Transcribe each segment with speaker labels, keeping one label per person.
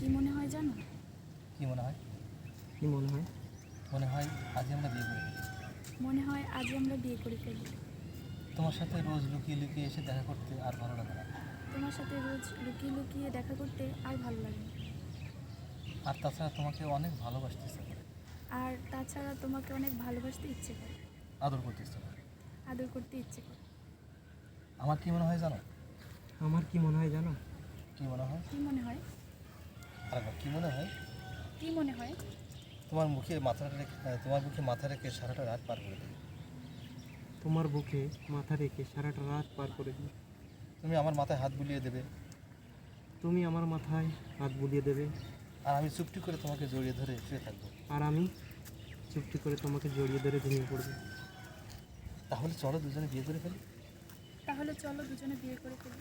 Speaker 1: কি মনে হয় জানো?
Speaker 2: কি মনে হয়?
Speaker 3: কি মনে হয়?
Speaker 2: মনে হয় আজ আমরা বিয়ে করে ফেলি।
Speaker 1: মনে হয় আজ আমরা বিয়ে করে ফেলি।
Speaker 2: তোমার সাথে রোজ লুকিয়ে লুকিয়ে এসে দেখা করতে আর ভালো লাগে না।
Speaker 1: তোমার সাথে রোজ লুকিয়ে লুকিয়ে দেখা করতে আর ভালো লাগে না।
Speaker 2: আর তাছাড়া তোমাকে অনেক ভালোবাসতে ইচ্ছা করে,
Speaker 1: আর তাছাড়া তোমাকে অনেক ভালোবাসতে ইচ্ছে করে,
Speaker 2: আদর করতে ইচ্ছা করে।
Speaker 1: আদর করতে ইচ্ছে করে।
Speaker 2: আমার কি মনে হয় জানো?
Speaker 3: আমার কি মনে হয় জানো?
Speaker 2: কি মনে হয়?
Speaker 1: কি মনে হয়?
Speaker 2: আরেকবার কি মনে হয়?
Speaker 1: কি মনে হয়?
Speaker 2: তোমার মুখে মাথা রেখে সারাটা রাত পার করে দিই।
Speaker 3: তোমার বুকে মাথা রেখে সারাটা রাত পার করে দিই।
Speaker 2: তুমি আমার মাথায় হাত বুলিয়ে দেবে,
Speaker 3: তুমি আমার মাথায় হাত বুলিয়ে দেবে,
Speaker 2: আর আমি চুপটি করে তোমাকে জড়িয়ে ধরে শুয়ে থাকবো।
Speaker 3: আর আমি চুপটি করে তোমাকে জড়িয়ে ধরে ঘুমিয়ে পড়বো।
Speaker 2: তাহলে চলো দুজনে বিয়ে করে ফেলি।
Speaker 1: তাহলে চলো দুজনে বিয়ে করে ফেলি।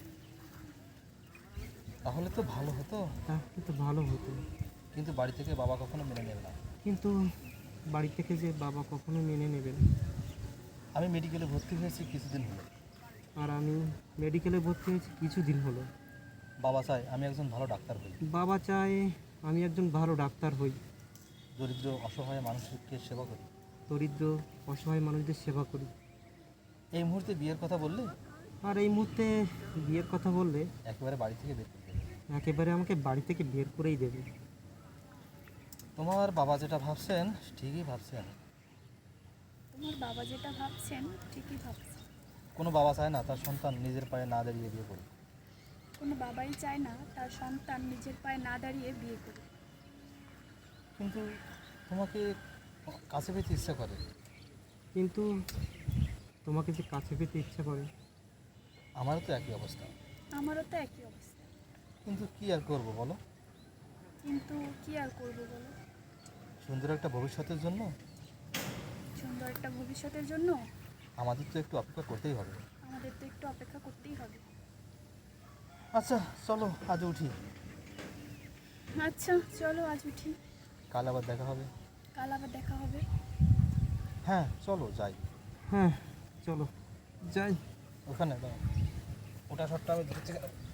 Speaker 2: তাহলে তো ভালো হতো,
Speaker 3: তাহলে তো ভালো হতো।
Speaker 2: কিন্তু বাড়ি থেকে বাবা কখনো মেনে নেবে না।
Speaker 3: কিন্তু বাড়ি থেকে যে বাবা কখনো মেনে নেবে না।
Speaker 2: আমি মেডিকেলে ভর্তি হয়েছি কিছুদিন হলো।
Speaker 3: আর আমি মেডিকেলে ভর্তি হয়েছি কিছুদিন হলো।
Speaker 2: বাবা চায় আমি একজন ভালো ডাক্তার হই,
Speaker 3: বাবা চায় আমি একজন ভালো ডাক্তার হই,
Speaker 2: দরিদ্র অসহায় মানুষকে সেবা করি।
Speaker 3: দরিদ্র অসহায় মানুষদের সেবা করি।
Speaker 2: এই মুহূর্তে বিয়ের কথা বললে
Speaker 3: আর এই মুহূর্তে বিয়ের কথা বললে
Speaker 2: একেবারে বাড়ি থেকে বের করে দেবে।
Speaker 3: একেবারে আমাকে বাড়ি থেকে বের করেই দেবে।
Speaker 2: তোমার বাবা যেটা ভাবছেন ঠিকই ভাবছেন।
Speaker 1: তোমার বাবা যেটা ভাবছেন ঠিকই ভাবছেন।
Speaker 2: কোনো বাবা চায় না তার সন্তান নিজের পায়ে না দাঁড়িয়ে বিয়ে করুক।
Speaker 1: কোনো বাবাই চায় না তার সন্তান নিজের পায়ে না দাঁড়িয়ে বিয়ে করে।
Speaker 2: কিন্তু তোমাকে কাছে পেতে ইচ্ছা করে।
Speaker 3: কিন্তু তোমাকে যে কাছে পেতে ইচ্ছা করে।
Speaker 2: আমারও তো একই অবস্থা।
Speaker 1: আমারও তো একই অবস্থা।
Speaker 2: কিন্তু কি আর করবো বলো?
Speaker 1: কিন্তু কি আর করবো বলো?
Speaker 2: সুন্দর একটা ভবিষ্যতের জন্য
Speaker 1: সুন্দর একটা ভবিষ্যতের জন্য
Speaker 2: আমাদের তো একটু অপেক্ষা করতেই হবে।
Speaker 1: আমাদের তো একটু অপেক্ষা করতেই হবে।
Speaker 2: আচ্ছা চলো আজ উঠি।
Speaker 1: আচ্ছা চলো আজ উঠি।
Speaker 2: কাল আবার দেখা হবে।
Speaker 1: কাল আবার দেখা হবে।
Speaker 2: হ্যাঁ চলো যাই।
Speaker 3: হ্যাঁ চলো যাই।
Speaker 2: ওখানে দাও, ওটা শটটা আমি ধরছি।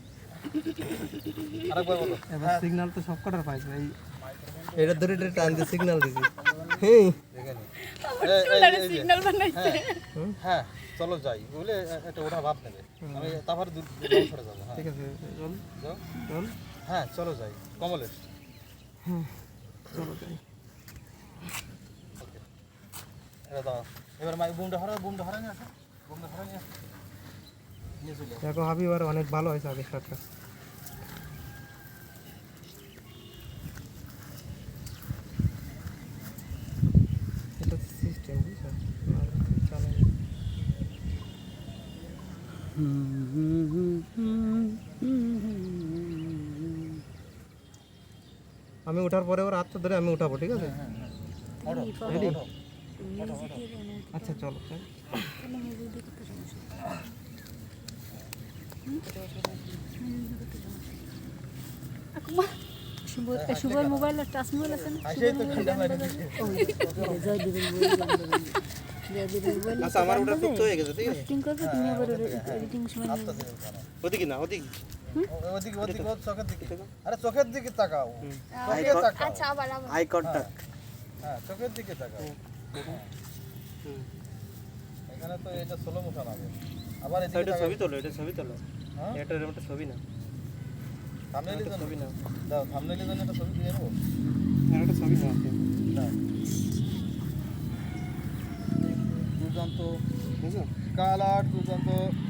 Speaker 2: আরেকবার বলো।
Speaker 3: এবার সিগন্যাল তো সব কটার পাইছে এই এটা ধরে এটা টান দিয়ে সিগন্যাল দিছি। হ্যাঁ
Speaker 2: দেখে নি।
Speaker 1: সিগন্যাল বানাইছে।
Speaker 2: হ্যাঁ চলো যাই বলে একটা ওটা ভাব নেবে। আমি তারপরে সরে যাবো। হ্যাঁ
Speaker 3: ঠিক আছে চল
Speaker 2: যাও।
Speaker 3: চল।
Speaker 2: হ্যাঁ চলো যাই কমলেশ।
Speaker 3: হ্যাঁ চলো যাই।
Speaker 2: ওকে এটা দাও। এবার বুমটা হারা নিয়ে আসো। বুমটা হারা নিয়ে আসো। নিয়ে চলে আসো।
Speaker 3: দেখো হাবিবার অনেক ভালো হয়েছে আগের শার্টটা। এটা সিস্টেম বুঝছো আর চলে না। আমি ওঠার পরে ওর হাতটা ধরে আমি উঠাবো, ঠিক আছে?
Speaker 2: ওঠো,
Speaker 3: Ready?
Speaker 2: ওঠো, ওঠো, ওঠো।
Speaker 3: আচ্ছা চলো।
Speaker 1: শুভর মোবাইল টাচ মোবাইল আছে না?
Speaker 2: আসেই তো ঠান্ডা লাগে।
Speaker 3: আচ্ছা আমার ওটা ফিক্স হয়ে গেছে, ঠিক আছে?
Speaker 1: এডিটিং করবে তুমি আবার এডিটিং সময়
Speaker 2: আস্তে ধীরে উঠানো।
Speaker 3: ওদিকে না ওদিকে।
Speaker 2: ওদিকে ওর চোখের দিকে। আরে চোখের দিকে তাকাও। চোখে তাকাও।
Speaker 1: আচ্ছা আবার
Speaker 3: আই কন্টাক্ট।
Speaker 2: হ্যাঁ চোখের দিকে তাকাও। এখানে তো এটা স্লো মোশন হবে। আবার এদিকে
Speaker 3: এটা
Speaker 2: তাকাও।
Speaker 3: ছবি তোলো, এটা ছবি তোলো।
Speaker 2: হ্যাঁ
Speaker 3: এটা এরকম একটা ছবি না।
Speaker 2: থাম্বনেইলের জন্য
Speaker 3: ছবি না।
Speaker 2: দাও, থাম্বনেইলের জন্য একটা ছবি দিয়ে নেবো।
Speaker 3: এটা একটা ছবি না।
Speaker 2: দাও। দুর্দান্ত
Speaker 3: বুঝছো?
Speaker 2: কালার, দুর্দান্ত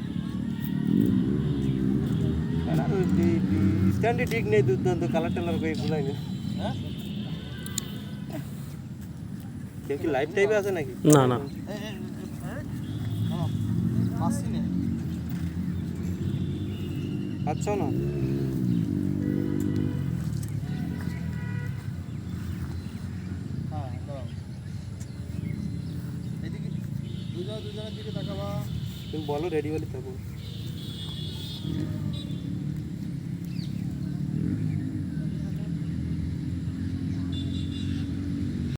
Speaker 3: স্ট্যান্ডে ঠিক নেই, দুর্দান্ত কালার টালার করে ভুলাই না।
Speaker 2: হ্যাঁ
Speaker 3: কেউ কি লাইভ টাইপে আছে নাকি? না না।
Speaker 2: মাসি নেই।
Speaker 3: আচ্ছা না।
Speaker 2: হ্যাঁ দাও। এদিকে দুজনের দিকে তাকাবা।
Speaker 3: তুমি বলো রেডি হলে থাকো।